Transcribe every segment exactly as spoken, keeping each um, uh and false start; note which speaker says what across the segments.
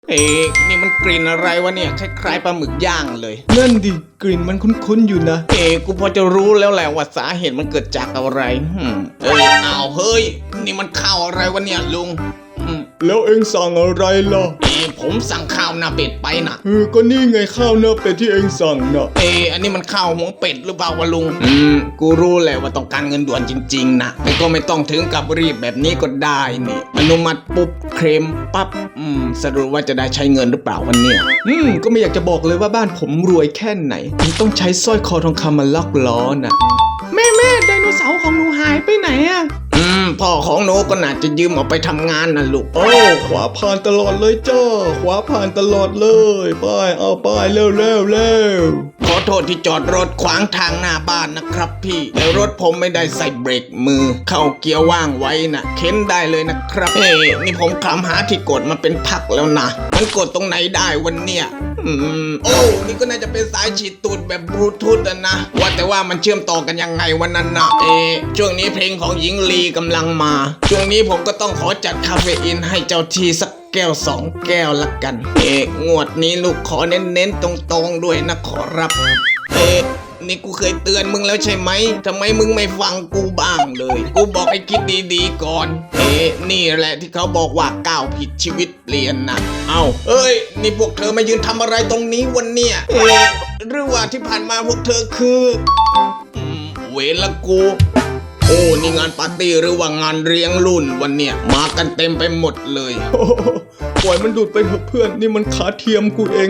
Speaker 1: เอ๊ะนี่มันกลิ่นอะไรวะเนี่ยคล้ายๆปลาหมึกย่างเลย
Speaker 2: นั่นดิกลิ่นมันคุ้นๆอยู่นะ
Speaker 1: เอ๊ะกูพอจะรู้แล้วแหละว่าสาเหตุมันเกิดจากอะไรอืมเอ้ยอ้าวเฮ้ยนี่มันข้าวอะไรวะเนี่ยลุงอืม
Speaker 2: แล้วเอ็งสั่งอะไรล่ะ
Speaker 1: เอ๊ะผมสั่งข้าวหน้าเป็ดไปนะ
Speaker 2: เออก็นี่ไงข้าวเนื้อเป็ดที่เอ็งสั่งน่ะ
Speaker 1: เอ๊ะอันนี้มันข้าวหัวเป็ดหรือเปล่าวะลุงอืมกูรู้แหละว่าต้องการเงินด่วนจริงๆนะแต่ก็ไม่ต้องถึงกับรีบแบบนี้ก็ได้นี่อนุมัติปุ๊บเคลมปั๊บอืมสรุปว่าจะได้ใช้เงินหรือเปล่าวันเนี้ย
Speaker 2: อืมก็ไม่อยากจะบอกเลยว่าบ้านผมรวยแค่ไหนถึงต้องใช้สร้อยคอทองคำมาล็อกล้อน่ะแม่แม่ไดโนเสาร์ของหนูหายไปไหนอะ
Speaker 1: อืมพ่อของหนูก็น่าจะยืมออกไปทำงานนะลูก
Speaker 2: โอ้ขวาผ่านตลอดเลยจ้าขวาผ่านตลอดเลยไป้ายเอาป้ายเร็วเร็วเร็ว
Speaker 1: ขอโทษที่จอดรถขวางทางหน้าบ้านนะครับพี่แต่รถผมไม่ได้ใส่เบรกมือ เข้าเกียร์ว่างไว้นะเข็นได้เลยนะครับเฮ้ยนี่ผมคลำหาที่กดมาเป็นพักแล้วนะมันกดตรงไหนได้วันเนี้ยอืมโอ้นี่ก็น่าจะเป็นสายฉีดตูดแบบบลูทูธอะนะว่าแต่ว่ามันเชื่อมต่อกันยังไงวันนั้นนะเอะช่วงนี้เพลงของหญิงลีกำลังมา ช่วงนี้ผมก็ต้องขอจัดคาเฟอีนให้เจ้าทีสักแก้วสองแก้วละกัน เอกงวดนี้ลูกขอเน้นๆตรงๆด้วยนะขอรับ เอกนี่กูเคยเตือนมึงแล้วใช่ไหมทำไมมึงไม่ฟังกูบ้างเลย กูบอกให้คิดดีๆก่อน เอ๊ะนี่แหละที่เขาบอกว่าก้าวผิดชีวิตเปลี่ยนนะเอ้าเอ้ยนี่พวกเธอมายืนทำอะไรตรงนี้วันเนี่ยเอ๊ะหรือว่าที่ผ่านมาพวกเธอคืออืมเวรละกู โอ้นี่งานปาร์ตี้หรือว่างานเลี้ยงรุ่นวันเนี่ยมากันเต็มไปหมดเลย
Speaker 2: โอ้โหปล่อยมันดูดไปเถอะเพื่อนนี่มันขาเทียมกูเอง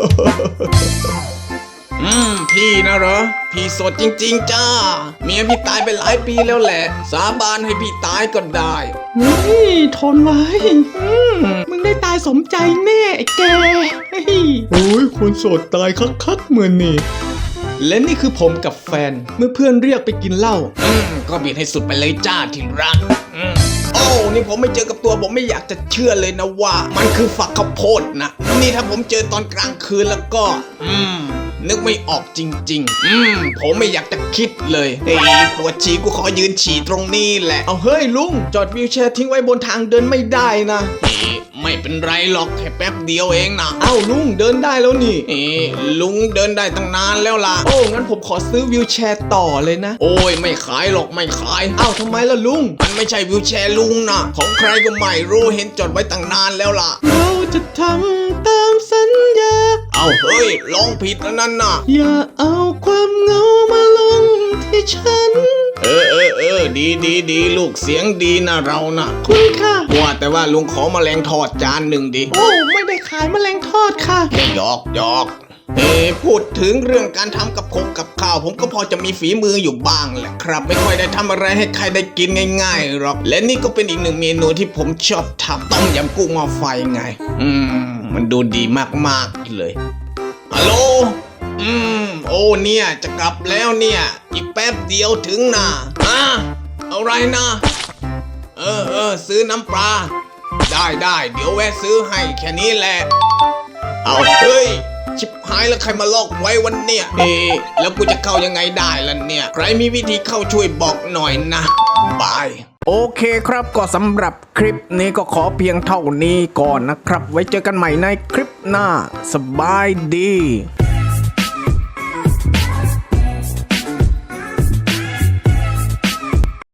Speaker 1: อืมพี่นะเหรอพี่โสดจริงๆจ้าเมียพี่ตายไปหลายปีแล้วแหละ สาบานให้พี่ตายก็ได้
Speaker 2: นี่ทนไว้อืมมึงได้ตายสมใจแน่ไอ้แกเฮ้ยโอ้ยคนโสดตายคักๆเหมือนนี่และนี่คือผมกับแฟนเมื่อเพื่อนเรียกไปกินเหล้า
Speaker 1: อืมก็บีดให้สุดไปเลยจ้าที่รักอืมโอ้นี่ผมไม่เจอกับตัวผมไม่อยากจะเชื่อเลยนะว่า มันคือฝักข้าวโพดนะนี่ถ้าผมเจอตอนกลางคืนแล้วก็ อืม นึกไม่ออกจริงๆ อืม ผมไม่อยากจะคิดเลยเฮ้ยปวดฉี่กูขอยืนฉี่ตรงนี้แหละ
Speaker 2: เอาเฮ้ยลุงจอดวีลแชร์ทิ้งไว้บนทางเดินไม่ได้นะ
Speaker 1: เอ๊ะไม่เป็นไรหรอกแค่แป๊บเดียวเองนะ
Speaker 2: เอ้าลุงเดินได้แล้วนี่
Speaker 1: เอ๊ะลุงเดินได้ตั้งนานแล้วล่ะ
Speaker 2: โอ้งั้นผมขอซื้อวีลแชร์ต่อเลยนะ
Speaker 1: โอ้ยไม่ขายหรอกไม่ขาย
Speaker 2: เอ้าทำไมล่ะลุง
Speaker 1: มันไม่ใช่วิวแชร์ลุงนะของใครก็ไม่รู้เห็นจดไว้ตั้งนานแล้วล่ะ
Speaker 2: เราจะทำตามสัญญา
Speaker 1: เอาเฮ้ยลองผิดแล้วนั่นน่ะ
Speaker 2: อย่าเอาความเหงามาลงที่ฉัน
Speaker 1: เออเออเออดีดีดีลูกเสียงดีนะเรานะ
Speaker 2: คุณค่ะ
Speaker 1: ว่าแต่ว่าลุงขอแมลงทอดจานหนึ่งดิ
Speaker 2: โอ้ไม่ได้ขายแมลงทอดค่ะ
Speaker 1: แค่หยอกหยอกเอ้พูดถึงเรื่องการทำกับคงกับข้าวผมก็พอจะมีฝีมืออยู่บ้างแหละครับ ไม่ค่อยได้ทำอะไรให้ใครได้กินง่ายๆหรอกและนี่ก็เป็นอีกหนึ่งเมนูที่ผมชอบทำต้มยำกุ้งหม้อไฟไง อืม มันดูดีมากๆเลยฮัลโหลอืมโอ้เนี่ยจะกลับแล้วเนี่ย อีกแป๊บเดียวถึงนะอ่ะอะไรนะ เออเออซื้อน้ำปลาได้ได้เดี๋ยวแวะซื้อให้แค่นี้แหละ เอาเฮ้ยชิบหายแล้วใครมาลอกไว้วันเนี่ยเอ๊ะแล้วกูจะเข้ายังไงได้ล่ะเนี่ย ใครมีวิธีเข้าช่วยบอกหน่อยนะบายโอเคครับก็สำหรับคลิปนี้ก็ขอเพียงเท่านี้ก่อนนะครับ ไว้เจอกันใหม่ในคลิปหน้าสบายดี